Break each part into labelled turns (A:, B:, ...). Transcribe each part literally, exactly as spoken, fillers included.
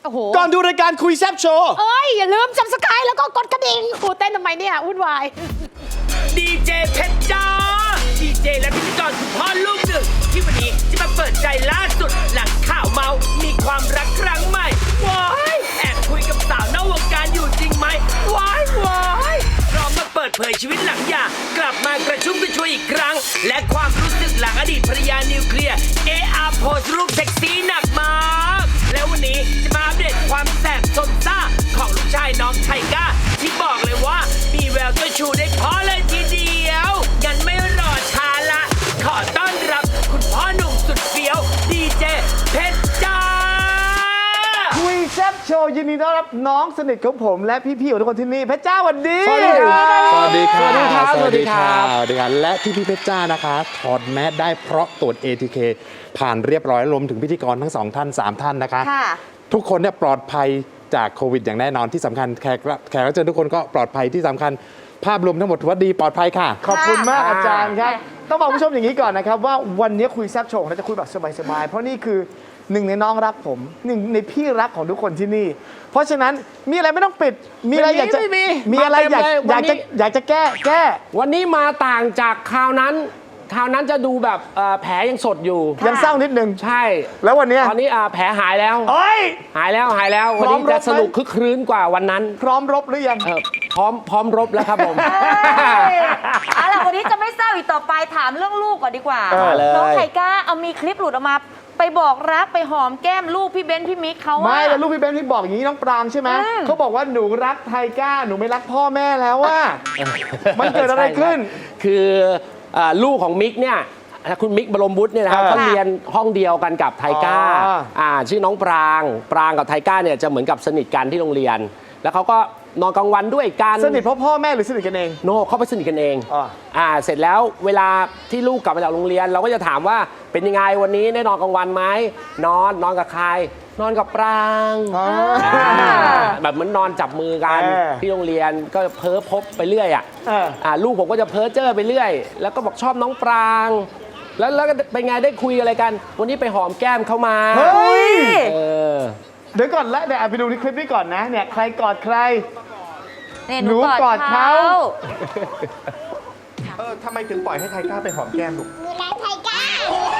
A: โอ้โห
B: ก่อนดูรายการคุยแซบโชว์
A: เอ้ย อย่าลืมซับสไครต์แล้วก็กดกระดิ่งกูเต้นทำไมเนี่ยวุ่นวาย
C: ดีเจเพชรจ้าดีเจและพิธีกรคุณพ่อลูกหนึ่งที่วันนี้จะมาเปิดใจล่าสุดหลังข่าวเมามีความรักครั้งใหม่ว้ายแอบคุยกับสาวนอกวงการอยู่จริงไหมว้ายว้ายพร้อมมาเปิดเผยชีวิตหลังหย่ากลับมากระชุ่มกระชวยอีกครั้ง และความรู้สึกหลังอดีตภรรยานิวเคลียร์เออาร์โพสรูปเซ็กซี่หนักมากแล้ววันนี้จะมาอัปเดตความแสบสนซ่าของลูกชายน้องไทก้าที่บอกเลยว่ามีแววเจ้าชูได้พอเลยทีเดียวงั้นไม่รอช้าละขอต้อนรับคุณพ่อหนุ่มสุดเฟี้ยวดีเจเพชรจ้า
B: คุยแซบโชว์ยินดีต้อนรับน้องสนิทของผมและพี่ๆของทุกคนที่นี่เพชรจ้าสวัสดี
D: สวัสดีครับ
B: สวัสดีครับ
D: สวัสดีครับสวัสดีครับและที่พี่เพชรจ้านะคะถอดแมสได้เพราะตรวจ เอ ที เค ผ่านเรียบร้อยรวมถึงพิธีกรทั้งสองท่านสามท่านนะคะ
A: ค่ะ
D: ทุกคนเนี่ยปลอดภัยจากโควิดอย่างแน่นอนที่สำคัญแขกแขกรับเชิญทุกคนก็ปลอดภัยที่สำคัญภาพรวมทั้งหมดถือว่าดีปลอดภัยค่ะ
B: ขอบคุณมาก
D: ค่ะ
B: อาจารย์ครับ ต้องบอกผู้ชมอย่างนี้ก่อนนะครับว่าวันนี้คุยแซบโชว์เราจะคุยแบบสบายๆเพราะนี่คือหนึ่งในน้องรักผมหนึ่งในพี่รักของทุกคนที่นี่ เพราะฉะนั้นมีอะไรไม่ต้องปิดมีอะไรอยากจะ
E: ไม่มี
B: มีอะไรอยาก
E: มาเต็มเลย
B: อยาก
E: วันนี้
B: จะอยากจะแก้แก้
E: วันนี้มาต่างจากคราวนั้น คราวนั้นจะดูแบบเอ่อแผลยังสดอยู่
B: ยังเศร้านิดนึง
E: ใช่
B: แล้ววันเนี้ย
E: ตอนนี้อ่าแผลหายแล้ว
B: เอ้ย
E: หายแล้วหายแล้ว วันนี้
B: พร้อมรบไหม
E: จะสนุกคึกครื้นกว่าวันนั้น
B: พร้อมรบหรือยัง
E: เออพร้อมพร้อมรบแล้วครับผม
F: เอาล่ะวันนี้จะไม่เศร้าอีกต่อไปถามเรื่องลูกก่อนดีกว่า
B: เออ
E: เลย
F: น้องไทก้าเอามีคลิปหลุดออกมา ไปบอกรักไปหอมแก้มลูกพี่เบนซ์พี่มิกเขาอะ
B: ไม่แล้วลูกพี่เบนที่บอกอย่างนี้น้องปรางใช่ไหม
F: อืม
B: เขาบอกว่าหนูรักไทก้าหนูไม่รักพ่อแม่แล้วว่า มันเกิดอะไรขึ้น
E: ใช่คืออ่าลูกของมิกเนี่ยคุณมิกบรมวุฒิเนี่ยนะครับ
B: เออ
E: เขาเรียนห้องเดียวกันกับไทก้า
B: อ๋ออ่
E: ่าชื่อน้องปรางปรางกับไทก้าเนี่ยจะเหมือนกับสนิทกันที่โรงเรียน แล้วเขาก็นอนกลางวันด้วยกัน
B: สนิทเพราะพ่อแม่หรือสนิทกันเอง
E: โนเขาไปสนิทกันเอง
B: อ่า
E: อ่าเสร็จแล้วเวลาที่ลูกกลับมาจากโรงเรียน เราก็จะถามว่าเป็นยังไงวันนี้ได้นอนกลางวันไหมนอนนอนกับใคร นอนกับปราง
B: อ๋อ
E: อ่าแบบเหมือนนอนจับมือกัน
B: เออ
E: ที่โรงเรียนก็เพ้อพบไปเรื่อยอ่ะ
B: เออ
E: อ่าลูกผมก็จะเพ้อเจ้อไปเรื่อย แล้วก็บอกชอบน้องปราง แล้วแล้วก็เป็นไงได้คุยอะไรกัน วันนี้ไปหอมแก้มเขามา
B: เฮ้ย
E: เออ
B: เดี๋ยวก่อนและเดี๋ยวอ่ะไปดูในคลิปนี้ก่อนนะเนี่ยใครกอดใคร
F: เนี่ยห
B: หนู
F: นู
B: ก
F: ก
B: อ
F: อ
B: ด
F: ด
B: เขา
F: เขา
B: เออทำไมถึงปล่อยให้ไทก้าไปหอมแก้มลูก
G: หนูรักไทก้า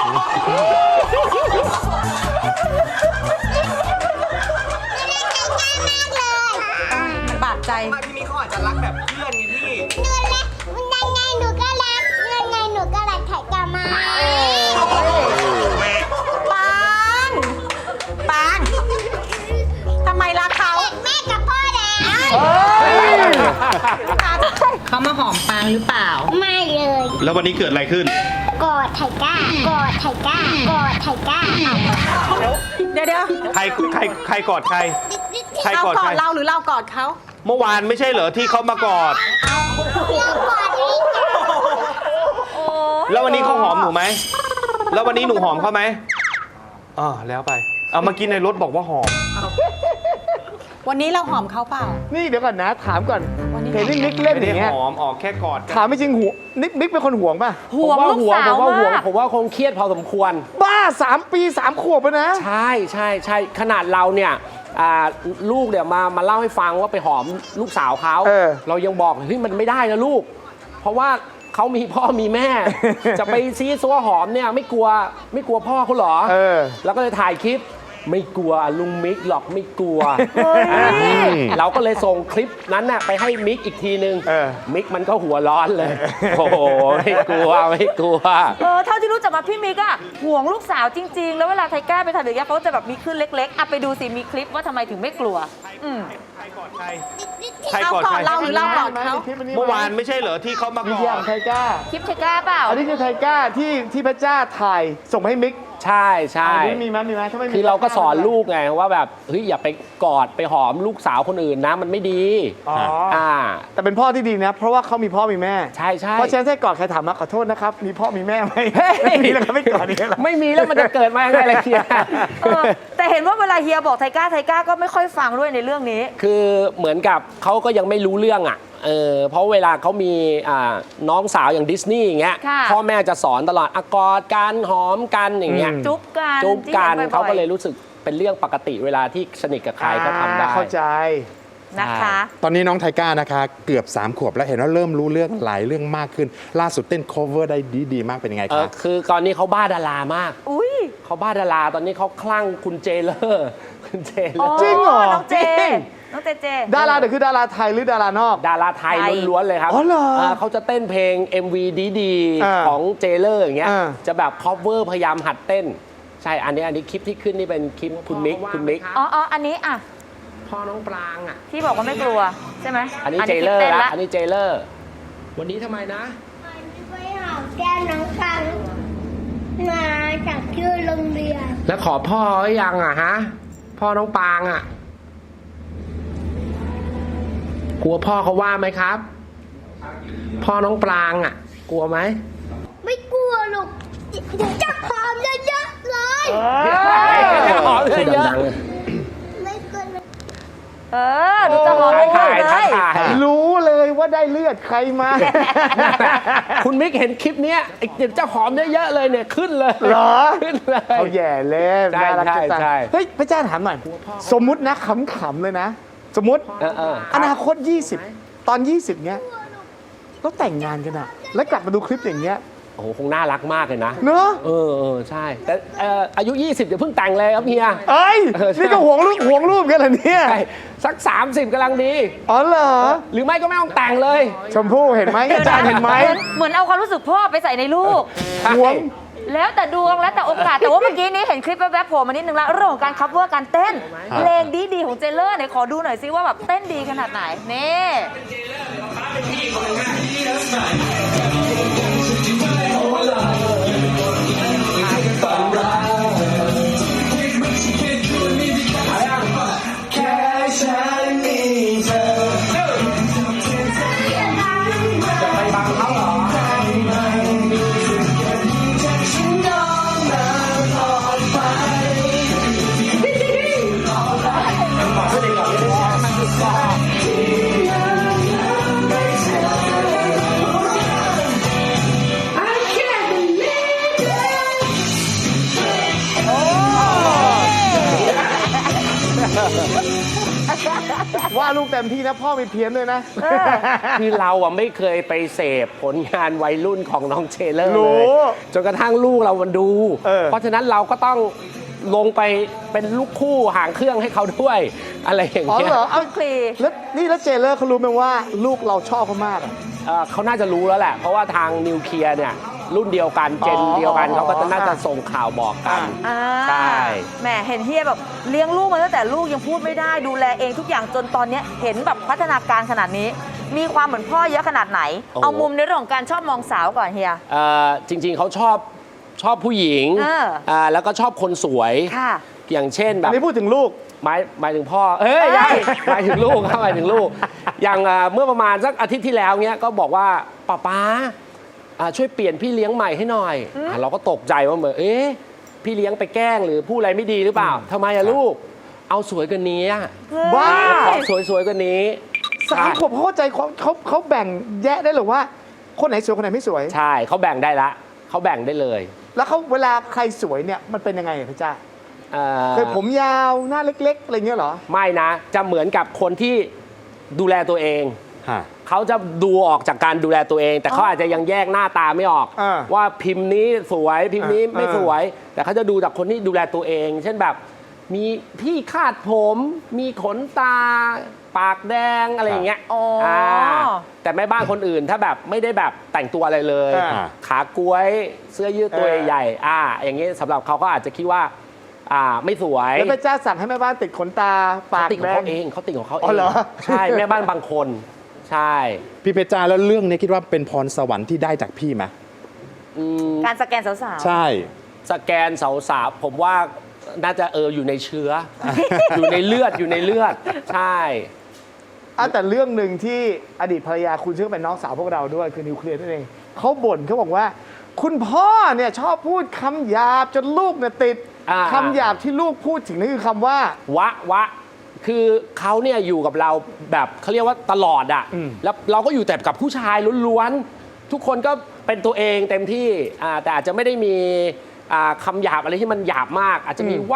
F: มันบาดใจ
C: พี่มิกเขาอาจจะรักแบบเพื่อนไงพี่
G: หนูรักยังไงหนูก็รักยังไงหนูก็รักไทก้ามาก
F: ปางปางทำไมรักเขา
G: แม่กับพ่อแล้ว
H: เขามาหอมปางหรือเปล่า
G: ไม่เลย
I: แล้ววันนี้เกิดอะไรขึ้น
G: กอดไทก้ากอดไทก้ากอดไทก้า
F: เดี๋ยวเดี๋ยว
I: ใครใครใครกอดใคร ใคร
F: เรา
I: กอด
F: กอ
I: ใคร
F: ดเราหรือเรากอดเขา
I: เมื่อวานไม่ใช่เหรอที่เขามากอด
G: เรากอดอีก
I: แล้ววันนี้เขาหอมหนูไหม แล้ววันนี้หนูหอมเขาไหมอ่าแล้วไป เอามากินในรถบอกว่าหอม
F: วันนี้เราหอมเขาเปล่า
B: นี่เดี๋ยวก่อนนะถามก่อน
F: วันนี้
B: เห็นนี่มิกเล่น
I: ไม่
B: อ
I: ได้
B: ย่างเงี้ย
I: หอมออกแค่กอดกัน
B: ถามไม่จริงหัวนิกมิกเป็นคนห่วงป่ะ
F: ห่วง
E: ผม
F: ลูก
E: ว่า
F: สาว
E: ผมว่าห่วง
F: มาก
E: ผมว่าคงเครียดพอสมควร
B: บ้าสามปีสามขวบแล้วนะ
E: ใช่ใช่ใช่ขนาดเราเนี่ยอ่าลูกเนี่ยมามาเล่าให้ฟังว่าไปหอมลูกสาวเขา
B: เออ
E: เรายังบอกเฮ้ยมันไม่ได้นะลูก เพราะว่าเขามีพ่อมีแม่ จะไปซีซัวหอมเนี่ยไม่กลัวไม่กลัวพ่อเขาเหรอ
B: เออ
E: แล้วก็เลยถ่ายคลิปไม่กลัวลุงมิกหรอกไม่กลัวอ่าเราก็เลยส่งคลิปนั้นน่ะไปให้มิกอีกทีนึง
B: เออ
E: มิกมันก็หัวร้อนเลย โอ้โหไม่กลัวไม่กลัว
F: เออเท่าที่รู้จักมาพี่มิกอะห่วงลูกสาวจริง ๆ แล้วเวลาไทก้าไปทำอย่างเงี้ยเขาจะแบบมีขึ้นเล็กๆอ่ะไปดูสิมีคลิปว่าทำไมถึงไม่กลัว อืม
I: ใครกอดใคร ใคร
F: เรา
I: กอด
F: กอ
I: ใค
F: ด
I: ร
F: เราหรือเรากอดเขา
B: คลิปนี้
I: เมื่อวานไม่ใช่เหรอที่เขามาก
B: วิ
I: อ
B: ทยา
I: ด
B: ของไทก้า
F: คลิปไทก้าเปล่า
B: อันนี้คือไทก้าที่ที่พระเจ้าถ่ายส่งมาให้มิก
E: ใช่ใช่
B: อันนี้มีไหมมีไหมถ้าไม่มี
E: คือเราก็สอนลูกไงว่าแบบเฮ้ยอย่าไปกอดไปหอมลูกสาวคนอื่นนะมันไม่ดี
B: อ๋อ
E: อ่า
B: แต่เป็นพ่อที่ดีนะ เพราะว่าเขามีพ่อมีแม่
E: ใช่ใช่
B: เพราะฉะนั้นถ้ากอดใครถามมาขอโทษนะครับ มีพ่อมีแม่ไหมไม่มีแล้วก็ไม่กอดนี่แหละ
E: ไม่มีแล้วมันจะเกิดมายังไงล่ะเฮีย
F: เออแต่เห็นว่าเวลาเฮียบอกไทก้าไทก้าก็ไม่ค่อยฟังด้วยในเรื่องนี้
E: คือเหมือนกับเขาก็ยังไม่รู้เรื่องอ่ะเออเพราะเวลาเขามีอ่าน้องสาวอย่างดิสนีย์อย่างเงี้ย
F: ค่ะ
E: พ่อแม่จะสอนตลอดอะกอดกันหอมกันอย่างเงี้ย
B: อืม
F: จุ๊บกัน
E: จุ๊บกัน
F: จิ้บ่อยๆ
E: เขาก็เลยรู้สึกเป็นเรื่องปกติเวลาที่สนิทกับใครก็ทำได้
B: อ่าเข้าใจ
F: นะคะ
D: ตอนนี้น้องไทก้านะคะเกือบสามขวบแล้วเห็นว่าเริ่มรู้เรื่องหลายเรื่องมากขึ้น ล่าสุดเต้น cover ได้ดีดีมากเป็นยังไง
E: เอ
D: คะ
E: อคือตอนนี้เขาบ้าดารามาก
F: อุ้ย
E: เขาบ้าดาราตอนนี้เขาคลั่งคุณเจเลอร์คุณเจเลอร์
B: จริงเหรอ
F: น้องเจ
E: จริง
F: น้องเจเจ
B: ดาราเดี๋ยวคือดาราไทยหรือดารานอก
E: ดาราไทย
F: ไทย
E: ล้วนๆเลยครับ
B: อ๋อเหรอ
E: เออเขาจะเต้นเพลง เอ็ม วี ดี
B: อ่า
E: ๆ ของเจเลอร์อย่างเงี้ย
B: อ่า
E: จะแบบ cover พยายามหัดเต้น ใช่อันนี้อันนี้คลิปที่ขึ้นนี่เป็นคลิปคุณมิกคุณมิก
F: อ๋ออ๋ออันนี้อ่ะ
E: พ่อน้องปรางอ่ะ
F: ที่บอกว่าไม่กลัวใช่ไหม
E: อันนี้เจเลอร์
F: ต้น
E: ละอันนี้เจเลอร์วันนี้ทำไมนะ
G: ไปหอมแก้มน้องฟังมาจากชื่อโรงเรียน
E: แล้วขอพ่อหรือยังอ่ะฮะพ่อน้องปรางอ่ะกลัวพ่อเขาว่าไหมครับ พ่อน้องปรางอ่ะ กลัวไหม
G: ไม่กลัวหรอกเดี๋ยวจะหอมเยอะๆเลย
E: หอมเยอะ
G: ไม่กลัว
F: เออดูจะหอมไม่
E: ถ่า
F: ได้
E: ย
F: เล
E: ถ่าย
F: ย
E: ถ่าย
B: รู้เลยว่าได้เลือดใครมา
E: คุณมิกเห็นคลิปเนี้ยไอ้เดี๋ยวจะหอมเยอะๆเลยเนี่ยขึ้นเลย
B: เหรอ
E: ขึ้นเลย
B: เขาแย่เล่น
E: ใช่
B: น่ารักจะตาย
E: ใช่
B: เฮ้ยพระเจ้าถามหน่อย สมมุตินะขำๆเลยนะ สมมุติ
E: เออเออ
B: อนาคต ยี่สิบ ตอน ยี่สิบ เนี้ยแล้วแต่งงานกันอะแล้วกลับมาดูคลิปอย่างเงี้ย
E: โอ้โหคงน่ารักมากเลยนะ
B: เนอะ
E: เออเออใช่แต่เอ่ออายุ ยี่สิบเดี๋ยวเพิ่งแต่งเลยครับเฮีย
B: เอ้ย
E: เออใช่
B: นี่ก็หวงรูปหวงรูปกันเหรอเนี่ย
E: ใช่สัก สามสิบกำลังดี
B: อ๋อเหรอ
E: หรือไม่ก็ไม่ต้องแต่งเลย
B: ชมพู่เห็นไหมอาจารย์เห็นไหม
F: เหมือนเหมือนเอาความรู้สึกพ่อไปใส่ในลูก
B: หวง
F: แล้วแต่ดวงแล้วแต่โอกาส แต่ว่าเมื่อกี้นี้เห็นคลิปแวบๆโผล่มานิดนึงแล้วเรื่องของการคัฟเวอร์การเต้นเพลงดีๆของเจเลอร์เนี่ยขอดูหน่อยซิว่าแบบเต้นดีขนาดไหนนี่
B: ว่าลูกเต็มที่นะพ่อมีเพี้ยนเลยนะ
E: คือเราอ่ะไม่เคยไปเสพผลงานวัยรุ่นของน้องเจเลอร์
B: รู้
E: เลยจนกระทั่งลูกเรามันดู
B: เออ
E: เพราะฉะนั้นเราก็ต้องลงไปเป็นลูกคู่หางเครื่องให้เขาด้วย อะไรอย่าง
B: อ๋อ
E: เงี้ย
B: เหรอเอา
F: คลี
B: แล้วนี่แล้วเจเลอร์เขารู้ไหมว่าลูกเราชอบเขามากอะ
E: เอ่อเขาน่าจะรู้แล้วแหละ เพราะว่าทางนิวเคลียร์เนี่ยรุ่นเดียวกันเจน
B: อ๋อ
E: เดียวกันเขาก็จะน่าจะ
B: อ่ะ
E: ส่งข่าวบอกกัน
F: อ่า
E: ใช่
F: แหมเห็นเฮียแบบเลี้ยงลูกมาตั้งแต่ลูกยังพูดไม่ได้ดูแลเองทุกอย่างจนตอนเนี้ยเห็นแบบพัฒนาการขนาดนี้ มีความเหมือนพ่อเยอะขนาดไหน เอามุมในเรื่องของการชอบมองสาวก่อนเฮีย
E: เอ่อจริง ๆเขาชอบชอบผู้หญิง
F: เออ
E: อ่าแล้วก็ชอบคนสวย
F: ค่ะ
E: อย่างเช่นแบ
B: อัน
E: บ
B: นี้พูดถึงลูก
E: หมายหมายถึงพ่อ เอ้ย
F: เอ้ย
E: หมายถึงลูกครับหมายถึงลูก อย่างเอ่อเมื่อประมาณสักอาทิตย์ที่แล้วเนี้ยก็บอกว่าป้าป๊าอ่าช่วยเปลี่ยนพี่เลี้ยงใหม่ให้หน่อยอ่ะเราก็ตกใจว่าเหมือนเอ๊ะพี่เลี้ยงไปแกล้งหรือพูดอะไรไม่ดีหรือเปล่าทำไมอะลูก เอาสวยกว่านี้อะ
B: บ้า
E: ขอสวยสวยๆกว่านี้
B: สามขวบเขาเข้าใจเขาเขาเขาแบ่งแยะได้หรือว่า คนไหนสวยคนไหนไม่สวย
E: ใช่เขาแบ่งได้ละเขาแบ่งได้เลย
B: แล้วเขาเวลาใครสวยเนี่ยมันเป็นยังไงอะพระเจ้า
E: เอ่อ
B: เคยผมยาวหน้าเล็กๆอะไรเงี้ยเหรอ
E: ไม่นะ จะเหมือนกับคนที่ดูแลตัวเอง
D: ฮะ
E: เขาจะดูออกจากการดูแลตัวเอง แต่เขาอาจจะยังแยกหน้าตาไม่ออก
B: อ่า
E: ว่าพิมพ์นี้สวยพิมพ์นี้
B: อ่า
E: ไม่สวย แต่เขาจะดูจากคนที่ดูแลตัวเอง เช่นแบบมีที่คาดผม มีขนตา ปากแดงอะไรอย่างเงี้ย
F: อ๋ออ่
E: าแต่แม่บ้านคนอื่นถ้าแบบไม่ได้แบบแต่งตัวอะไรเลย
B: อ่า
E: ขากล้วยเสื้อยืดตัว
B: เออ
E: ใหญ่ๆอ่าอย่างงี้สำหรับเขาก็อาจจะคิดว่าอ่าไม่สวย
B: แล้วพระเจ้าสั่งให้แม่บ้านติดขนตาปาก
E: ติดข
B: แด
E: อง
B: ง
E: เขาเองเขาติดของเขาเอ
B: อ๋อง เหรอ
E: ใช่แม่บ้านบางคน ใช่
D: พี่เพชรจ้าแล้วเรื่องนี้คิดว่าเป็นพรสวรรค์ที่ได้จากพี่ไหม
E: อืม
F: การสแกนสาวๆ
D: ใช่
E: สแกนสาวๆผมว่าน่าจะเอออยู่ในเชื้อ อยู่ในเลือดอยู่ในเลือด ใช่
B: อ่ะแต่เรื่องหนึ่งที่อดีตภรรยาคุณซึ่งเป็นน้องสาวพวกเราด้วยคือนิวเคลียร์นั่นเองเขาบ่นเขาบอกว่า คุณพ่อเนี่ยชอบพูดคำหยาบจนลูกเนี่ยติด
E: อ่า
B: คำหยาบที่ลูกพูดถึงนั่นคือคำว่า
E: วะวะ คือเขาเนี่ยอยู่กับเราแบบเขาเรียกว่าตลอดอะ
B: อืม
E: แล้วเราก็อยู่แต่กับผู้ชายล้วนๆทุกคนก็เป็นตัวเองเต็มที่อ่าแต่อาจจะไม่ได้มีอ่าคำหยาบอะไรที่มันหยาบมาก อาจจะมีวะ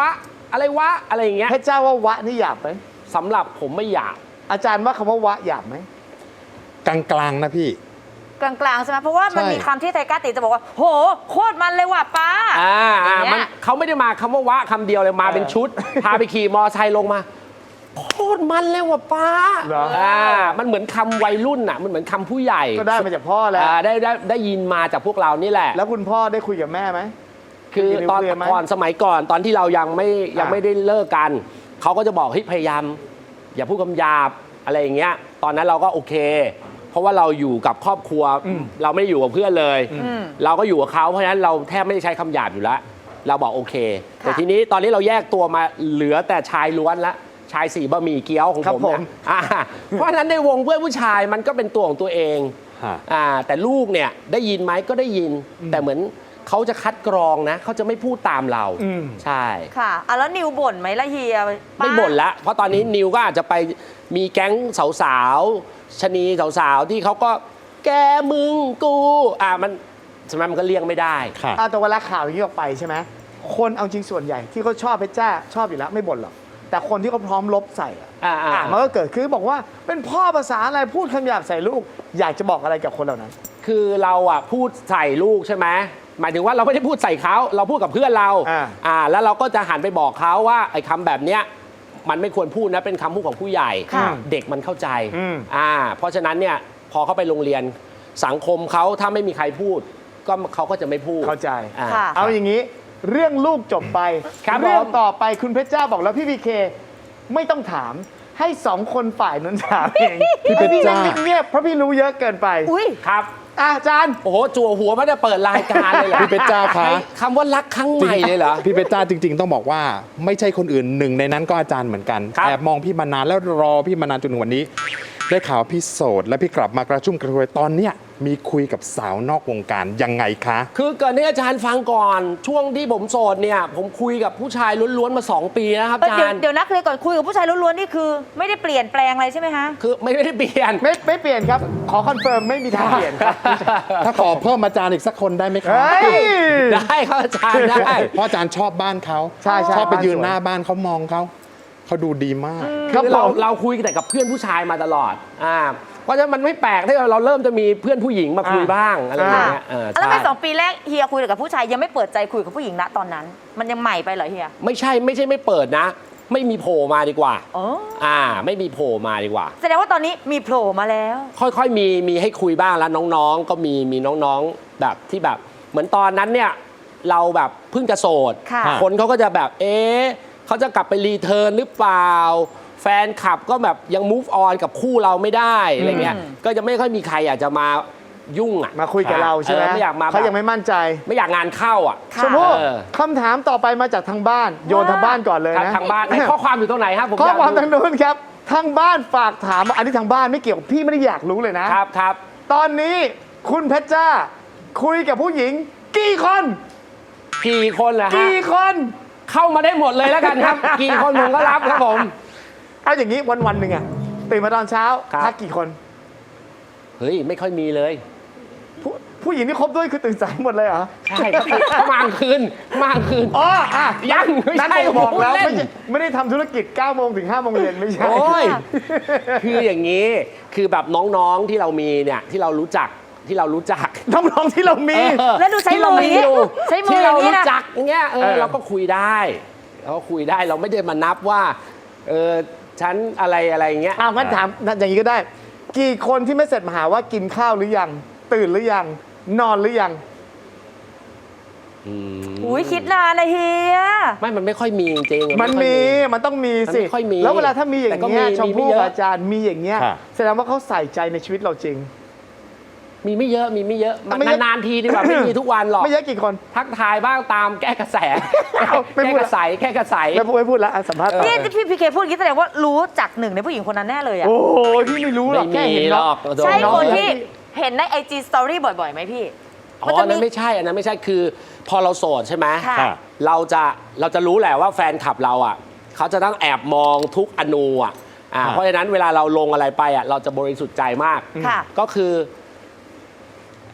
E: อะไรวะอะไรอย่างเงี้ย
B: เพชรจ้าว่าวะนี่หยาบไหม
E: สำหรับผมไม่อยาก
B: อาจารย์ว่าคำว่าวะหยาบไหม
D: กลางๆนะพี่
F: กลางๆใช่ไหมเพราะว่ามัน
D: ใช่
F: มีคำที่ไทก้าติจะบอกว่า โหโคตรมันเลยว่ะป้า
E: อ่า
F: อย่า
E: อ่าง
F: เงี้ย
E: มันเขาไม่ได้มาคำว่าวะคำเดียวเลยมาเป็นชุด พาไปขี่มอไซค์ลงมาโคตรมันเลยว่ะป้า
B: เหรอ
E: อ่ามันเหมือนคำวัยรุ่นอ่ะมันเหมือนคำผู้ใหญ่
B: ก็ได้มาจากพ่อแล้ว
E: อ่าได้ได้ได้ยินมาจากพวกเรานี่แหละ
B: แล้วคุณพ่อได้คุยกับแม่ไหม
E: คือตอน
B: คุยกับนิวเคลียร์ไหม
E: ก่อนสมัยก่อนตอนที่เรายังไม่ยัง
B: อ่า
E: ไม่ได้เลิกกันเขาก็จะบอกเฮ้ยพยายาม อย่าพูดคำหยาบอะไรอย่างเงี้ยตอนนั้นเราก็โอเค เพราะว่าเราอยู่กับครอบครัวเราไม่ได้อยู่กับเพื่อนเลย เราก็อยู่กับเขาเพราะฉะนั้นเราแทบไม่ได้ใช้คำหยาบอยู่แล้ว เราบอกโอเค แต่ทีนี้ตอนนี้เราแยกตัวมาเหลือแต่ชายล้วนละชายสี่บะหมี่เกี๊ยวของ
B: ครับ
E: ผม
B: ผ
E: เนี่
B: ม
E: ยอ่าเพราะฉะนั้นในวงเพื่อนผู้ชายมันก็เป็นตัวของตัวเอง
D: ฮะ
E: อ่าแต่ลูกเนี่ยได้ยินไหมก็ได้ยิน แต่เหมือนเขาจะคัดกรองนะเขาจะไม่พูดตามเรา
B: อืม
E: ใช่
F: ค่ะอ่ะแล้วนิวบ่นไหมล่ะเฮีย
E: ไม่บ่นละเพราะตอนนี้นิวก็อาจจะไปมีแก๊งสาวๆชะนีสาวๆที่เขาก็แกมึงกูอ่ามันสมัยมันก็เลี่ยงไม่ได้
D: ค่ะ
B: อ่ะแต่เวลาข่าวอย่างนี้ออกไปใช่ไหมคนเอาจริงส่วนใหญ่ที่เขาชอบเพชรจ้าชอบอยู่แล้วไม่บ่นหรอกแต่คนที่เขาพร้อมลบใส่อะ
E: อ่าอ่า
B: อ่ะมันก็เกิดขึ้นบอกว่าเป็นพ่อภาษาอะไรพูดคำหยาบใส่ลูก อยากจะบอกอะไรกับคนเหล่านั้น
E: คือเราอ่ะพูดใส่ลูกใช่ไหมหมายถึงว่าเราไม่ได้พูดใส่เขาเราพูดกับเพื่อนเรา
B: อ่า
E: อ่าแล้วเราก็จะหันไปบอกเขาว่าไอ้คำแบบเนี้ยมันไม่ควรพูดนะเป็นคำพูดของผู้ใหญ่
B: ค่ะ
E: เด็กมันเข้าใจ
B: อืม
E: อ่าเพราะฉะนั้นเนี่ยพอเขาไปโรงเรียนสังคมเขาถ้าไม่มีใครพูด ก็เขาก็จะไม่พูด
B: เข้าใจ
E: อ่า
F: ค่ะ
B: เอาอย่างนี้เรื่องลูกจบไป
E: ครับ
B: เรื่อง
E: ผม
B: ต่อไปคุณเพชรจ้าบอกแล้วพี่พีเคไม่ต้องถามให้สองคนฝ่ายนั้นถามเอง
D: พี่เพชรจ้า
B: พี่เงียบๆเพราะพี่รู้เยอะเกินไป
F: อุ้ย
E: ครับ
B: อะอาจารย์
E: โอ้โหจั่วหัวไม่ได้เปิดรายการเลยเหรอ
D: พี่เพชรจ้าคะ
E: ให้คำว่ารักครั้งใหม่เลยเหรอ
D: พี่เพชรจ้าจริง ๆ ต้องบอกว่าไม่ใช่คนอื่นหนึ่งในนั้นก็อาจารย์เหมือนกัน
E: ครับ
D: แอบมองพี่มานานแล้วรอพี่มานานจนถึงวันนี้ ได้ข่าวพี่โสดและพี่กลับมากระชุ่มกระชวยตอนเนี้ยมีคุยกับสาวนอกวงการยังไงคะ
E: คือเกิดให้อาจารย์ฟังก่อน ช่วงที่ผมโสดเนี่ย ผมคุยกับผู้ชายล้วนๆมา สอง ปีนะครับ
F: เอ้ย
E: อา
F: เดี๋ยว
E: จารย์
F: เดี๋ยวนักเรียนก่อนคุยกับผู้ชายล้วนๆนี่คือ ไม่ได้เปลี่ยนแปลงอะไรใช่ไหมฮะ
E: คือไม่ได้เปลี่ยน
B: ไม่ไม่เปลี่ยนครับ ขอคอนเฟิร์มไม่มีทางเปลี่ยนครับ
D: ถ้าขอเพิ่มอาจารย์อีกสักคนได้ไหมคะ
B: เฮ้ย
E: ได้ครับอาจารย์ได้
D: เพราะอาจารย์ชอบบ้านเขา
B: ใช่ใช่
D: ชอบไปยืน
B: บ้านสวย
D: หน้าบ้านเขามองเขาเขาดูดีมาก
B: ครับ
E: คือเรา
B: ผม
E: เราคุยแต่กับเพื่อนผู้ชายมาตลอดอ่าเพราะฉะนั้นมันไม่แปลกที่เราเริ่มจะมีเพื่อนผู้หญิงมาคุย
B: อ่า
E: บ้างอะไรอย่างเงี้ยเออ
F: แล้ว
E: ใช่
F: ไปสองปีแรกเฮียคุยกับผู้ชายยังไม่เปิดใจคุยกับผู้หญิงณตอนนั้น มันยังใหม่ไปเหรอเฮีย
E: ไม่ใช่ไม่ใช่ไม่เปิดนะ ไม่มีโผล่มาดีกว่า
F: อ๋อ
E: อ่า ไม่มีโผล่มาดีกว่า
F: แสดงว่าตอนนี้มีโผล่มาแล้ว
E: ค่อยๆ มีมีให้คุยบ้างแล้วน้องๆ ก็มีมีน้องๆ แบบที่แบบเหมือนตอนนั้นเนี่ยเราแบบเพิ่งจะโสด
F: ค่ะ
E: คนเขาก็จะแบบเอ๊ะเขาจะกลับไปรีเทิร์นหรือเปล่า แฟนคลับก็แบบยัง move on กับคู่เราไม่ได้อะไรเงี้ย ก็จะไม่ค่อยมีใครอยากจะมายุ่งอ่ะ
B: มาคุยกับเราใช่ไหม
E: ออไม่อยากมา
B: เขายัง
E: แบบ
B: ไม่มั่นใจ
E: ไม่อยากงานเข้าอ่ะ
F: ค่ะ
B: ชมพู่
E: เออ
B: คำถามต่อไปมาจากทางบ้าน โยนทางบ้านก่อนเลย
E: ครับ
B: นะ
E: ทางบ้านไอ้ข้อความอยู่ตรงไหนครับผม
B: ข้อความ
E: ยก
B: ทางนู้นครับทางบ้านฝากถามอันนี้ทางบ้านไม่เกี่ยวพี่ไม่ได้อยากรู้เลยนะ
E: ครับครับ
B: ตอนนี้คุณเพชรจ้า คุยกับผู้หญิง กี่คน
E: กี่คนเหรอฮะ
B: กี่คน
E: เข้ามาได้หมดเลยแล้วกันครับ กี่คนผมก็รับครับผม
B: เอาอย่างนี้วันวันๆหนึ่งอะตื่นมาตอนเช้า
E: ครับ
B: ทักกี่คน
E: เฮ้ยไม่ค่อยมีเลย
B: ผู้ผู้หญิงที่คบด้วยคือตื่นสายหมดเลยเหรอ
E: ใช่ครับเขามากลางคืนมากลางคืน
B: อ๋ออ่ะ
E: ยังไม่ใช่
B: นั่นผมบอกแล้ว
E: ผมเล่น
B: ไม่ใช่ไม่ได้ทำธุรกิจเก้าโมงถึงห้าโมงเย็นไม่ใช่
E: โอ้ย คืออย่างนี้คือแบบน้องๆที่เรามีเนี่ยที่เรารู้จักที่เรารู้จัก
B: น้องๆที่เรามี
E: เออ
F: แล้วดูใช้
E: ที่เรา
F: มืออย่างงี้
E: อยู่
F: ใช้มือ
E: ที่เรา
F: อย่างงี้
E: รู้
F: นะ
E: จักอย่างเงี้ยเอ
B: เอ
E: อ
B: อ
E: เราก็คุยได้เราก็คุยได้เราไม่ได้มานับว่าเออฉันอะไรอะไรอย่างเงี้ย
B: อ้าวงั้นถามอย่างนี้ก็ได้ กี่คนที่ไม่เสร็จมาหาว่ากินข้าวหรือยัง ตื่นหรือยัง นอนหรือยัง
E: อืม
F: อุ้ยคิดนานนะเฮีย
E: ไม่มันไม่ค่อยมีจริงๆ
B: มัน
E: ไค่อย
B: มี มันต้องมีสิ
E: มันไม่ค่อยมี
B: แล้วเวลาถ้ามีอย่าง
E: แต่ก็
B: เงี้ย
E: มี
B: ชม
E: มี
B: พู่
E: ไม่เยอะ
B: อาจารย์มีอย่างเงี้ย
D: ค่ะ
B: แสดงว่าเขาใส่ใจในชีวิตเราจริง
E: มีไม่เยอะมีไม่เยอะมัน
B: ไม่เยอะ
E: นานๆทีดีกว่าไม่มีทุกวันหรอก
B: ไม่เยอะกี่คน
E: ทักทายบ้างตามแก้กระแส
B: ไม่
E: แก้
B: พูด
E: ก
B: ละ
E: ระใสแก้กระใส
B: ไม่พูดไม่พูดละอ่ะสัมภาษณ์ต่อ
F: นี่ที่พี่พีเคพูดอย่างนี้แสดงว่ารู้จักหนึ่งในผู้หญิงคนนั้นแน่เลยอะ
B: โอ้โหพี่ไม่รู้หรอก
E: ไม่
B: แค่
E: มี
B: เห็น
E: หร
B: เนาะ
E: อกโด
F: ใช่
B: น้อง
F: คนที่เห็นในไอจีสตอรี่บ่อยๆไหมพี่
E: อ๋ออันนั้นไม่ใช่อันนั้นไม่ใช่คือพอเราโสดใช่ไหม
F: ค่ะ
D: ค่ะ
E: เราจะเราจะรู้แหละว่าแฟนคลับเราอ่ะเขาจะต้องแอบมองทุกอนูอ่ะอ่า
D: ค่ะ
E: เพราะฉะนั้นเวลาเราลงอะไรไปอ่ะเราจะบริสุทธิ์ใจมาก
F: ค่ะ
E: ก็คือ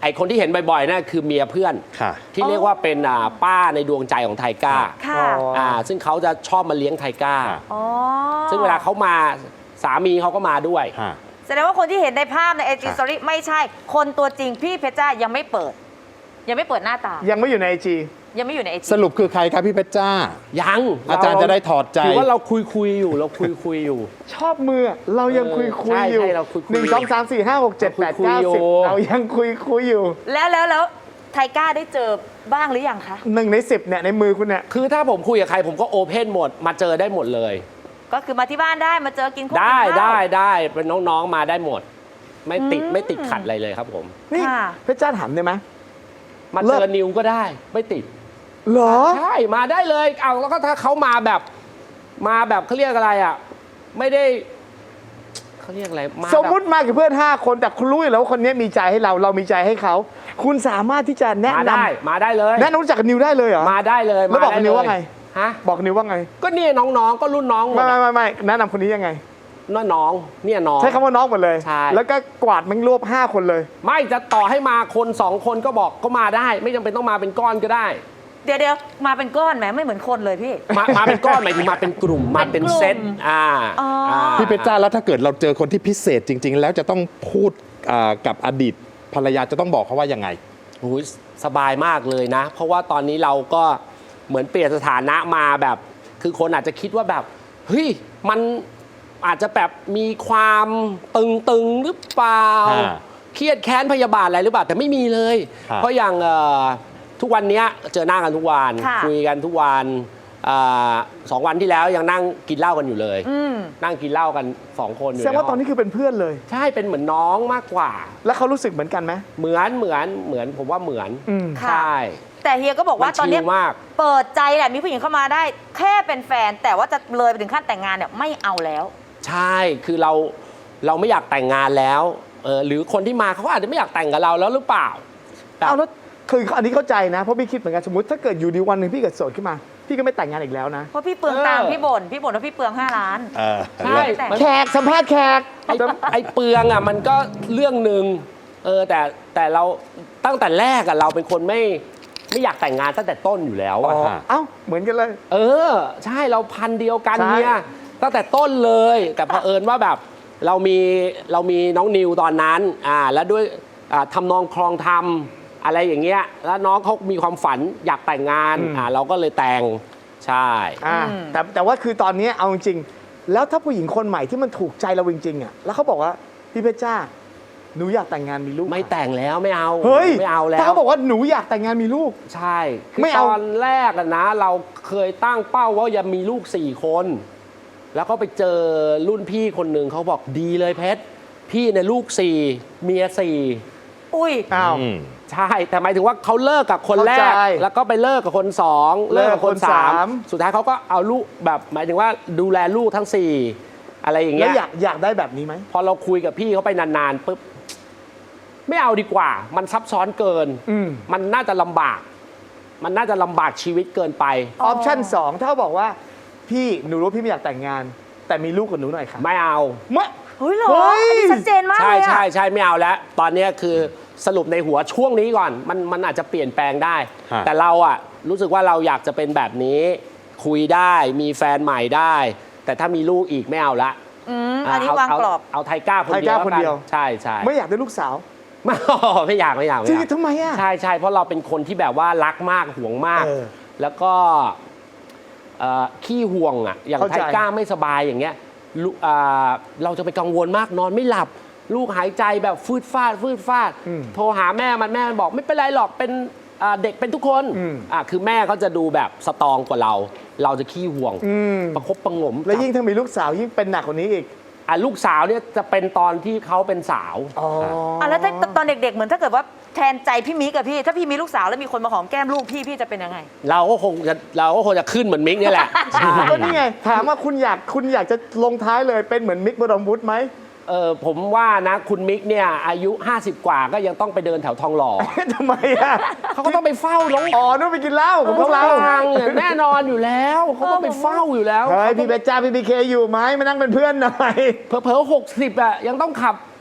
E: ไอคนที่เห็นบ่อยๆนั่นคือเมียเพื่อน
D: ค่ะ
E: ที่เรียกว่าเป็นอ่าป้าในดวงใจของไทก้า
F: ค่ะ
E: อ่าซึ่งเขาจะชอบมาเลี้ยงไทก้า
F: อ๋อ
E: ซึ่งเวลาเขามาสามีเขาก็มาด้วย
D: ฮะ
F: แสดงว่าคนที่เห็นในภาพในไอจี
D: ค่ะ
F: สตอรี่ไม่ใช่ คนตัวจริงพี่เพชรจ้ายังไม่เปิด ยังไม่เปิดหน้าตา
B: ยังไม่อยู่ในไอจี
F: ยังไม่อยู่ในไอจี
D: สรุปคือใครครับพี่เพชรจ้า
E: ยัง
D: อาจารย์จะได้ถอดใจ
E: ถือว่าเราคุยคุยๆอยู่เราคุยคุยๆอยู่
B: ชอบมือเรายังคุยคุย
E: ใช่
B: อยู่
E: ใช่เราคุยคุย
B: หนึ่งสองสามสี่ห้าหกเจ็ดแปดเก้า
E: เราคุยคุยอยู่
B: สิบเรายังคุยคุยอยู่
F: แล้วแล้วแล้วไทก้าได้เจอบ้างหรือยังคะ
B: หนึ่งในสิบเนี่ยในมือคุณเนี่ย
E: คือถ้าผมคุยกับใครผมก็โอเพนหมดมาเจอได้หมดเลย
F: ก็คือมาที่บ้านได้มาเจอกินข้าว
E: ได้
F: กินข้าว
E: ได้ได้เป็นน้องๆมาได้หมด ไม่ติดไม่ติดขัดอะไรเลยครับผม
B: นี่
F: ค่ะ
B: เพชรจ้าถามได้ไหม
E: มา
B: เลิ
E: เจ
B: ศ
E: อนิวก็ได้ไม่ติด
B: เหรอ
E: ใช่มาได้เลยเอาแล้วก็ถ้าเขามาแบบมาแบบเขาเรียกอะไรอ่ะไม่ได้เขาเรียกอะไรมา
B: สมมุติ
E: แบบ
B: มากับเพื่อน ห้า คนแต่คุณรู้อยู่แล้วว่าคนนี้มีใจให้เราเรามีใจให้เขา คุณสามารถที่จะแนะ
E: มาน ได้มาได้เลย
B: ำแนะนำรู้จักกับนิวได้เลยเหรอ
E: มาได้เลย
B: แล้วบอก
E: มด้
B: นิวว่าไง
E: ฮะ
B: บอกนิวว่าไง
E: ก็เนี่ยน้องๆ ก็รุ่นน้องหม
B: ไม่
E: ด
B: ไม่
E: อะ
B: ไม่ไม่แนะนำคนนี้ยังไง
E: น้าน้องเนี่ยน้อง
B: ใช้คำว่าน้องหมดเลย
E: ใช่
B: แล้วก็กวาดแมันรวบห้าคนเลย
E: ไม่จะต่อให้มาคนสองคนก็บอกก็มาได้ ไม่จำเป็นต้องมาเป็นก้อนก็ได้
F: เดี๋ยวเดี๋ยวมาเป็นก้อนแหมไม่เหมือนคนเลยพี่
E: มามาเป็นก้อนหมายถึงมาเป็นกลุ่มมาเป็นเซตอ่า
F: อ๋ออ่
E: า
D: พี่เพชรจ้าแล้วถ้าเกิดเราเจอคนที่พิเศษจริง ๆ แล้วจะต้องพูดอ่ากับอดีตภรรยาจะต้องบอกเขาว่ายังไง
E: โอ้ยสบายมากเลยนะ เพราะว่าตอนนี้เราก็เหมือนเปลี่ยนสถานะมาแบบ คือคนอาจจะคิดว่าแบบเฮ้ยมันอาจจะแบบมีความตึงๆหรือเปล่า
D: อ่า
E: เครียดแค้นพยาบาทอะไรหรือเปล่าแต่ไม่มีเลย
D: ครับ
E: เพราะอย่างเอ่อทุกวันเนี้ยเจอหน้ากันทุกวัน
F: ค่ะ
E: คุยกันทุกวันอ่าสองวันที่แล้วยังนั่งกินเหล้ากันอยู่เลย
F: อืม
E: นั่งกินเหล้ากันสองคนอยู่
B: แสดงว่า
E: ให้
B: ตอนนี้คือเป็นเพื่อนเลย
E: ใช่เป็นเหมือนน้องมากกว่า
B: แล้วเขารู้สึกเหมือนกันไหม
E: เหมือนเหมือนเหมือนผมว่าเหมือน
B: อืม
F: ค่ะ
E: ใช่
F: แต่เฮียก็บอกว่า
E: มัน
F: ตอนเนี้ย
E: ชิลมาก
F: เปิดใจแหละมีผู้หญิงเข้ามาได้ แค่เป็นแฟน แต่ว่าจะเลยไปถึงขั้นแต่งงานเนี่ยไม่เอาแล้ว
E: ใช่ คือเราเราไม่อยากแต่งงานแล้วเออหรือคนที่มาเขาก็อาจจะไม่อยากแต่งกับเราแล้วหรือเปล่าแบบ
B: เอาแล้วคืออันนี้เข้าใจนะเพราะพี่คิดเหมือนกันสมมติถ้าเกิดอยู่ดีวันหนึ่งพี่เกิดโสดขึ้นมา พี่ก็ไม่แต่งงานอีกแล้วนะ
F: เพราะพี่เปลืองตังค์พี่บ่นพี่บ่นว่าพี่เปลืองห้าล้าน
D: เออ
E: ใช่
F: แต่
E: มัน
B: แขกสัมภาษณ์แขก
E: ไอ้ไอ้เปลืองอ่ะมันก็เรื่องหนึ่งเออแต่แต่เราตั้งแต่แรกอ่ะเราเป็นคนไม่ไม่อยากแต่งงานตั้งแต่ต้นอยู่แล้ว
B: อ๋
E: อ่ะ
B: อเอ้าเหมือนกันเลย
E: เออ ใช่เราพันธุ์เดียวกัน
B: ใช่
E: เนี่ยตั้งแต่ต้นเลย แต่เผอิญว่าแบบเรามีเรามีน้องนิวตอนนั้นอ่าแล้วด้วยอ่าทำนองคลองทำอะไรอย่างเงี้ยแล้วน้องเขามีความฝันอยากแต่งงานอ่าเราก็เลยแต่งใช่
B: อ่า
F: อืม
B: แต่แต่ว่าคือตอนนี้เอาจริงๆแล้วถ้าผู้หญิงคนใหม่ที่มันถูกใจเราจริงๆอ่ะแล้วเขาบอกว่าพี่เพชรจ้าหนูอยากแต่งงานมีลูก
E: ไม่แต่งแล้วไม่เอา
B: เฮ้ย
E: ไม่เอาแล้
B: ถ้าว เขาบอกว่าหนูอยากแต่งงานมีลูก
E: ใช่คือ
B: ไม่
E: ต
B: เอา
E: อนแรกอะนะ เราเคยตั้งเป้าว่าจะมีลูกสี่คน แล้วก็ไปเจอรุ่นพี่คนหนึ่งเขาบอกดีเลยเพชรพี่ในยลูกสี่เมียสี่
F: อุ้ย
B: อ้าว
D: อืม
E: ใช่ แต่หมายถึงว่าเขาเลิกกับคนแร
B: เข้าก ใจ
E: แล้วก็ไปเลิกกับคนสอง
B: เลิ
E: เลิ
B: ก
E: ก
B: กั
E: กั
B: บบ ค
E: คน นสาม
B: สาม
E: สุดท้ายเขาก็เอาลูกแบบ หมายถึงว่าดูแลลูกทั้งสี่อะไรอย่าง
B: แล้
E: เงี้
B: วย อยากอยากได้แบบนี้ไหม
E: พอเราคุยกับพี่เขาไปนานๆปุ๊บไม่เอาดีกว่า มันซับซ้อนเกิน
B: อืม
E: มันน่าจะลำบาก มันน่าจะลำบากชีวิตเกินไป
B: ออปชั่นสองถ้าเขาบอกว่าพี่หนูรู้พี่ไม่อยากแต่งงาน แต่มีลูกกับหนูหน่อยค่ะ
E: ไม่เอา
B: มะ
F: เฮ้ยเหรอ
B: เฮ้ย
F: อันนี้ชัดเจนมาก
E: ใช่
F: เลยอะ
E: ใช่ใช่ไม่เอาแล้ว ตอนเนี้ยคือสรุปในหัวช่วงนี้ก่อน มันมันอาจจะเปลี่ยนแปลงได้
D: ฮะ
E: แต่เราอะรู้สึกว่าเราอยากจะเป็นแบบนี้ คุยได้มีแฟนใหม่ได้ แต่ถ้ามีลูกอีกไม่เอาละ
F: อืมอันนี้วาง
E: เ
F: กรอบ
E: เอาไทก้าคน
B: ไท
E: เดียว
B: ก้าคนเดียว
E: แล้กัใช่ใช่
B: ไม่อยากได้ลูกสาว
E: ไม่ ไม่อยากไม่อยากไม่
B: จริ
E: อง ยาก
B: ทำไมอ่ะ
E: ใช่ใช่เพราะเราเป็นคนที่แบบว่ารักมากห่วงมาก
B: เออ
E: แล้วก็เอ่อขี้ห่วงอ่ะอย่าง
B: เข้า
E: ไท
B: ใจ
E: ก้าไม่สบายอย่างเงี้ยลูกอ่าเราจะไปกังวลมากนอนไม่หลับ ลูกหายใจแบบฟืดฟาดฟืดฟาด
B: อืม
E: โทรหาแม่มันแม่มันบอกไม่เป็นไรหรอกเป็นอ่าเด็กเป็นทุกคน
B: อืม
E: อ่ะคือแม่เขาจะดูแบบสตรองกว่าเรา เราจะขี้ห่วง
B: อืม
E: ประคบประหงม
B: แล้วยิ่งถ้ามีลูกสาวยิ่งเป็นหนักกว่านี้อีก
E: อ่ะลูกสาวเนี่ยจะเป็นตอนที่เขาเป็นสาว
B: อ๋อ
F: อ่ะแล้วถ้าตอนเด็กๆ เหมือนถ้าเกิดว่าแทนใจพี่มิกกับพี่ ถ้าพี่มีลูกสาวแล้วมีคนมาหอมแก้มลูกพี่พี่จะเป็นยังไง
E: เราก็คงจะเราก็คงจะขึ้นเหมือนมิกเนี่ยแหละ
B: ก็นี่ไง ถามว่าคุณอยากคุณอยากจะลงท้ายเลยเป็นเหมือนมิกบรมวุฒิไหม
E: เออผมว่านะคุณมิกเนี่ยอายุ ห้าสิบ กว่าก็ยังต้องไปเดินแถวทองหล่อ
B: ทำไมอ่ะ
E: เขาก็ต้องไปเฝ้าน้อง
B: อ๋อนู่นไปกินเหล้ากับพวกเรา
E: ทางเนี่ยแน่นอนอยู่แล้วเขาต้องไปเฝ้าอยู่แล้ว
B: เฮ้ยพี่เบจจ้าพี่บีเคอยู่ไหมมานั่งเป็นเพื่อนหน่อย
E: เผลอๆหกสิบอ่ะยังต้องขับ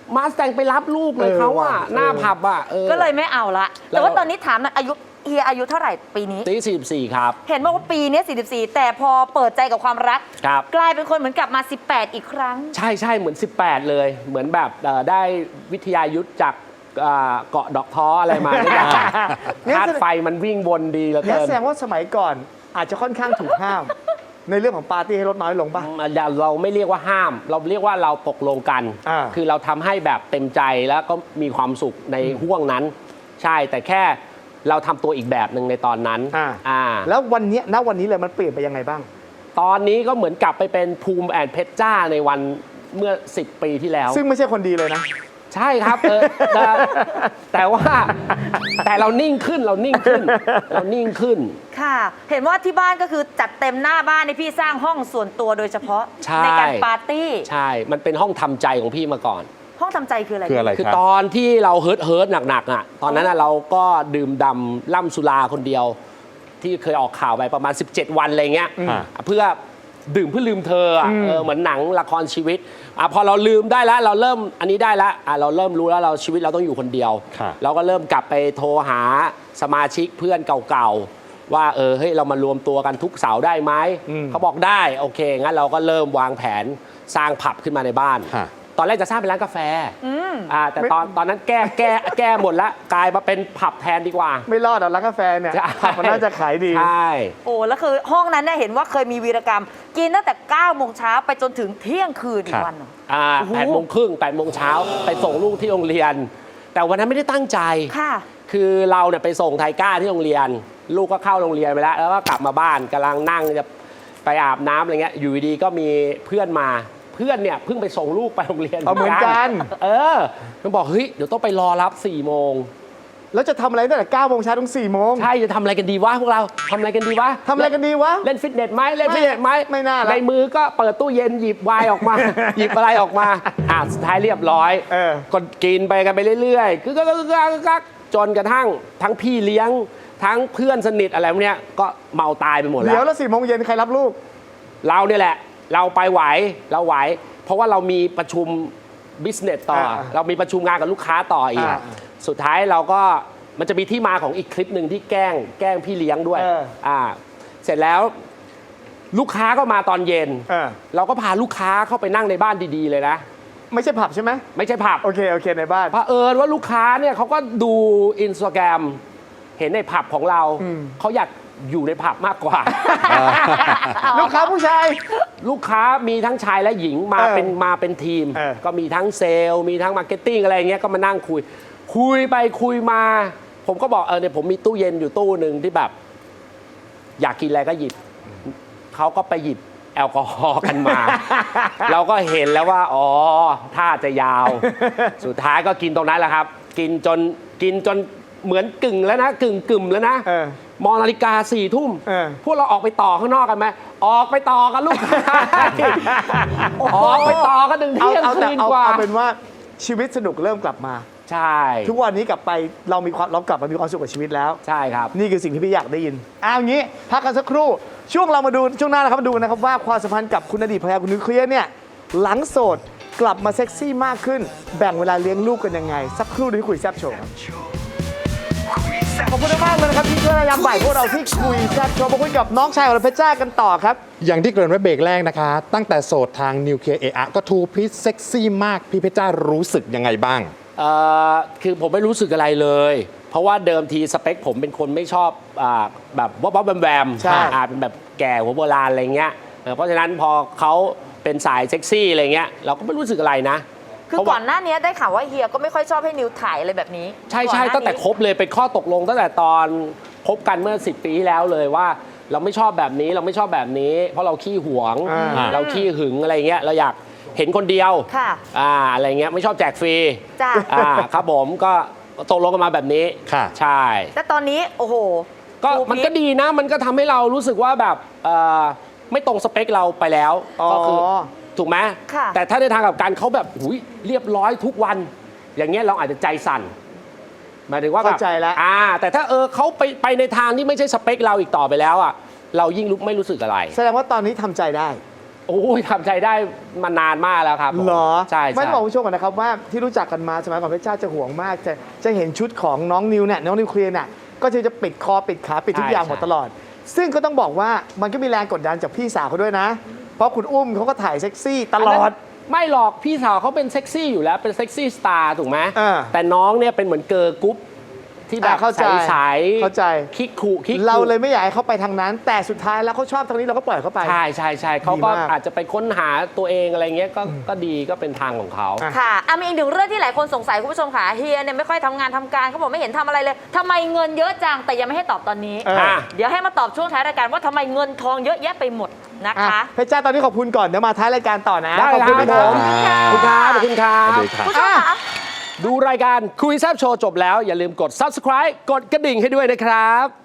E: มาสแตงไปรับลูกเลย
B: เออ
E: เขาอะ
B: ว่ะ
E: หน้า
B: เออ
E: ผับอะออ
F: ก็เลยไม่เอาละ
E: แล้ว
F: แต่ว่าตอนนี้ถามหน่อยอายุเฮียอายุเท่าไหร่ปีนี้
E: ตีสี่สิบสี่ครับ
F: เห็นบอกว่าปีนี้สี่สิบสี่แต่พอเปิดใจกับความรัก
E: ครับ
F: กลายเป็นคนเหมือนกลับมาสิบแปดอีกครั้ง
E: ใช่ใช่เหมือน สิบแปด เลย เหมือนแบบเอ่อได้วิทยายุทธจากเอ่อเกาะดอกท้ออะไรมาเนี่ย
B: งั้น
E: ธา
B: แส
E: ตุ
B: ดง
E: ไฟมันวิ่งวนดีเหลือ
B: งั้น
E: เกิน
B: แสดงว่าสมัยก่อนอาจจะค่อนข้างถูกห้าม ในเรื่องของปาร์ตี้ให้ลดน้อยลงป่ะ
E: เราไม่เรียกว่าห้าม เราเรียกว่าเราตกลงกัน
B: อ่า
E: คือเราทำให้แบบเต็มใจแล้วก็มีความสุขในห่วงนั้น ใช่แต่แค่เราทำตัวอีกแบบหนึ่งในตอนนั้น
B: อ่า
E: อ่า
B: แล้ววันเนี้ยณวันนี้เลยมันเปลี่ยนไปยังไงบ้าง
E: ตอนนี้ก็เหมือนกลับไปเป็นภูมิแอนเพชรจ้าในวันเมื่อ สิบ ปีที่แล้ว
B: ซึ่งไม่ใช่คนดีเลยนะ
E: ใช่ครับเออแต่แต่ว่าแต่เรานิ่งขึ้นเรานิ่งขึ้น เรานิ่งขึ้น
F: ค่ะ เห็นว่าที่บ้านก็คือจัดเต็มหน้าบ้านในพี่สร้างห้องส่วนตัวโดยเฉพาะ
E: ใช่
F: การปาร์ตี้
E: ใช่ มันเป็นห้องทำใจของพี่มาก่อน
F: ห้องทำใจคืออะไร
D: คืออะไร
E: คือ
D: ครับ
E: ตอนที่เราเฮิร์ตเฮิร์ตหนักๆอ่ะตอนนั้นน่ะเราก็ดื่มดำล่ำสุราคนเดียว ที่เคยออกข่าวไปประมาณ สิบเจ็ด วันอะไรเงี้ย
D: อ่า
E: เพื่อดื่มเพื่อลืมเธออ่ะ
B: อืม
E: เออเหมือนหนังละครชีวิตอ่ะพอเราลืมได้แล้วเราเริ่มอันนี้ได้แล้วอ่ะเราเริ่มรู้แล้วเราชีวิตเราต้องอยู่คนเดียว
D: ค่ะ
E: เราก็เริ่มกลับไปโทรหาสมาชิกเพื่อนเก่าๆว่าเออเฮ้ยเรามารวมตัวกันทุกเสาร์ได้ไหม
B: อืม
E: เขาบอกได้โอเคงั้นเราก็เริ่มวางแผนสร้างผับขึ้นมาในบ้าน
D: ฮะ
E: ตอนแรกจะสร้างเป็นร้านกาแฟ
F: อืม
E: อ่าแต่ตอนตอนนั้นแก้แก้แก้หมดแล้วกลายมาเป็นผับแทนดีกว่า
B: ไม่รอดหรอกร้านกาแฟเนี่ย
E: ใช่
B: มันน่าจะขายดี
E: ใช่
F: โอ้แล้วคือห้องนั้นเนี่ยเห็นว่าเคยมีวีรกรรม กินตั้งแต่เก้าโมงเช้าไปจนถึงเที่ยงคืนอี
D: ครั
F: ก
D: บ
F: วันเหรอ
E: อ่า
F: โอ้โห
E: แปดโมงครึ่งแปดโมงเช้าไปส่งลูกที่โรงเรียน แต่วันนั้นไม่ได้ตั้งใจ
F: ค่ะ
E: คือเราเนี่ยไปส่งไทก้าที่โรงเรียน ลูกก็เข้าโรงเรียนไปแล้ว แล้วก็กลับมาบ้านกำลังนั่งจะไปอาบน้ำอะไรเงี้ยอยู่ดีๆก็มีเพื่อนมาเพื่อนเนี่ยเพิ่งไปส่งลูกไปโรงเรียน
B: เอาเหมือนกัน
E: เออมันบอกเฮ้ยเดี๋ยวต้องไปรอรับสี่โมง
B: แล้วจะทำอะไรตั้งแต่เก้าโมงเช้าถึงสี่โมง
E: ใช่จะทำอะไรกันดีวะพวกเราทำอะไรกันดีวะ
B: ทำอะไรกันดีวะ
E: เล่นฟิตเนสไหมเล่นฟิตเนสไหม
B: ไม่น่าละ
E: ในมือก็เปิดตู้เย็นหยิบไวน์ออกมา หยิบอะไรออกมาอ่ะสุดท้ายเรียบร้อย
B: เออ
E: ก็กินไปกันไปเรื่อยๆคือก็ก็จนกระทั่งทั้งพี่เลี้ยงทั้งเพื่อนสนิทอะไรพวกเนี้ยก็เมาตายไปหมดแล้
B: เดี๋ยว
E: ว
B: แล้วสี่โมงเย็นใครรับลูก
E: เราเนี่ยแหละ เราไปไหวเราไหว เพราะว่าเรามีประชุมบิสเนสต่อ
B: อ่า
E: เรามีประชุมงานกับลูกค้าต่ออีก
B: อ่า
E: สุดท้ายเราก็มันจะมีที่มาของอีกคลิปหนึ่งที่แกล้งแกล้งพี่เลี้ยงด้วย
B: เออ
E: อ่าเสร็จแล้วลูกค้าก็มาตอนเย็น
B: เออ
E: เราก็พาลูกค้าเข้าไปนั่งในบ้านดีๆเลยนะ
B: ไม่ใช่ผับใช่ไหม
E: ไม่ใช่ผับ
B: โอเคโอเคในบ้าน
E: เผอิญว่าลูกค้าเนี่ยเขาก็ดูอินสตาแกรมเห็นในผับของเรา
B: อืม
E: เขาอยากอยู่ในผับมากกว่า
B: ลูกค้าผู้ชาย
E: ลูกค้ามีทั้งชายและหญิงมา
B: เออ
E: เป็นมาเป็นทีม
B: เออ
E: ก็มีทั้งเซลล์มีทั้งมาร์เก็ตติ้งอะไรอย่างเงี้ยก็มานั่งคุย คุยไปคุยมา ผมก็บอกเออเนี่ยผมมีตู้เย็นอยู่ตู้หนึ่งที่แบบ อยากกินอะไรก็หยิบเขาก็ไปหยิบแอลกอฮอล์กันมา เราก็เห็นแล้วว่า อ๋อท่าจะยาว สุดท้ายก็กินตรงนั้นแหละครับ กินจนกินจนเหมือนกึ่งแล้วนะ กึ่งกึ่มแล้วนะ
B: เออ
E: มองนาฬิกาสี่ทุ่ม
B: เออ
E: พวกเราออกไปต่อข้างนอกกันไหมออกไปต่อกันลูกค้า ออกไปต่อกันถึง
B: เอา
E: เที่ยง
B: เอาแต่
E: คืน
B: เอา
E: กว่า
B: เอาเป็นว่าชีวิตสนุกเริ่มกลับมา
E: ใช่
B: ทุกวันนี้กลับไปเรามีความเรากลับมามีความสุขกับชีวิตแล้ว
E: ใช่ครับ
B: นี่คือสิ่งที่พี่อยากได้ยินเอาอย่างนี้พักกันสักครู่ ช่วงเรามาดูช่วงหน้านะครับมาดูนะครับว่าความสัมพันธ์กับคุณอดีตภรรยาคุณนิวเคลียร์เนี่ยหลังโสดกลับมาเซ็กซี่มากขึ้น แบ่งเวลาเลี้ยงลูกกันยังไง สักครู่เดี๋ยวคุยแซ่บโชว์ครับขอบคุณมากเลยนะครับที่ช่วยยามบ่ายพวกเราที่คุยแซ่บโชว์มาคุยกับน้องชายของเราเพชรจ้ากันต่อครับ
D: อย่างที่เกริ่นไว้เบรกแรกนะคะ ตั้งแต่โสดทางนิวเคลียร์เอะก็ทูพีซเซ็กซี่มาก พี่เพชรจ้ารู้สึกยังไงบ้าง
E: เอ่อคือผมไม่รู้สึกอะไรเลย เพราะว่าเดิมทีสเปคผมเป็นคนไม่ชอบอาแบบบ๊อบบ๊อบแวมแวม
B: ใช่
E: อ่าเป็นแบบแก่หัวโบราณอะไรเงี้ยเออเพราะฉะนั้นพอเขาเป็นสายเซ็กซี่อะไรเงี้ยเราก็ไม่รู้สึกอะไรนะ
F: คือ
E: เพราะ
F: ก่
E: ว่า
F: อนหน้านี้ได้ข่าวว่าเฮียก็ไม่ค่อยชอบให้นิวถ่ายอะไรแบบนี้
E: ใช่ใช่
F: ก่อนหน้า
E: ตั้งแต่
F: นี้
E: คบเลยเป็นข้อตกลงตั้งแต่ตอนคบกันเมื่อสิบปีที่แล้วเลยว่า เราไม่ชอบแบบนี้เราไม่ชอบแบบนี้ เพราะเราขี้หวง
B: อ่า
E: เราขี้หึงอะไรเงี้ยเราอยากเห็นคนเดียว
F: ค่ะ
E: อ่าอะไรเงี้ยไม่ชอบแจกฟรี
F: จ้ะ
E: อ่าครับผมก็ตกลงกันมาแบบนี้
D: ค่ะ
E: ใช่
F: แต่ตอนนี้โอ้โห
E: ก็
F: ดู
E: มัน
F: พีค
E: ก็ดีนะมันก็ทำให้เรารู้สึกว่าแบบเอ่อไม่ตรงสเปคเราไปแล้ว
B: อ๋อ
E: ก็คือถูกไหม
F: ค่ะ
E: แต่ถ้าในทางกับการเขาแบบหุยเรียบร้อยทุกวัน อย่างเงี้ยเราอาจจะใจสั่นหมายถึงว่าแบบ
B: เข้าใจแล้ว
E: อ่าแต่ถ้าเออเขาไปไปในทางที่ไม่ใช่สเปคเราอีกต่อไปแล้วอ่ะเรายิ่งรู้ไม่รู้สึกอะไร
B: แสดงว่าตอนนี้ทำใจได้
E: โโอ้ยทำใจได้มานานมากแล้วครับผม
B: เหรอ
E: ใช่
B: ไม่
E: ใช่
B: บอกคุณผู้ชมก่อนนะครับว่าที่รู้จักกันมาสมัยก่อนเพชรจ้าจะห่วงมากจะจะเห็นชุดของน้องนิวเนี่ยน้องนิวเคลียร์เนี่ยก็จะจะปิดคอปิดขาปิดทุกอย่างหมดตลอด ซึ่งก็ต้องบอกว่ามันก็มีแรงกดดันจากพี่สาวเขาด้วยนะ เพราะคุณอุ้มเขาก็ถ่ายเซ็กซี่ตลอด
E: ไม่หรอกพี่สาวเขาเป็นเซ็กซี่อยู่แล้วเป็นเซ็กซี่สตาร์ถูกไหม
B: อ่า
E: แต่น้องเนี่ยเป็นเหมือนเกิร์ลกรุ๊ปที่แบบ
B: อ่าเข้าใจ
E: ใสๆ
B: เข้าใจ
E: คิกคุคิกคุ
B: เราเลยไม่อยากให้เขาไปทางนั้น แต่สุดท้ายแล้วเขาชอบทางนี้เราก็ปล่อยเขาไป
E: ใช่ใช่ใช่เขาก็
B: ดีมาก
E: อาจจะไปค้นหาตัวเองอะไรเงี้ยก็ก็ดีก็เป็นทางของเขา
B: อ่ะ
F: ค่ะอ่ะมีอีกหนึ่งเรื่องที่หลายคนสงสัยคุณผู้ชมค่ะเฮียเนี่ยไม่ค่อยทำงานทำการเขาบอกไม่เห็นทำอะไรเลยทำไมเงินเยอะจังแต่ยังไม่ให้ตอบตอนนี้
B: เอออ่ะ
F: เดี๋ยวให้มาตอบช่วงท้ายรายการว่าทำไมเงินทองเยอะแยะไปหมดนะ
B: อ่ะ
F: คะ
B: เพชรจ้าตอนนี้ขอบคุณก่อนเดี๋ยวมาท้ายรายการต่อนะ
E: ได้
B: ขอบคุณ
E: ครับ
B: นะ
E: ผม
B: ครับ
E: ขอบคุณครับขอบคุณครับ
D: สวัสดีครับ
F: ผู้ชมค่ะ
E: ดูรายการคุยแซบโชว์จบแล้วอย่าลืมกด ซับสไครบ์ กดกระดิ่งให้ด้วยนะครับ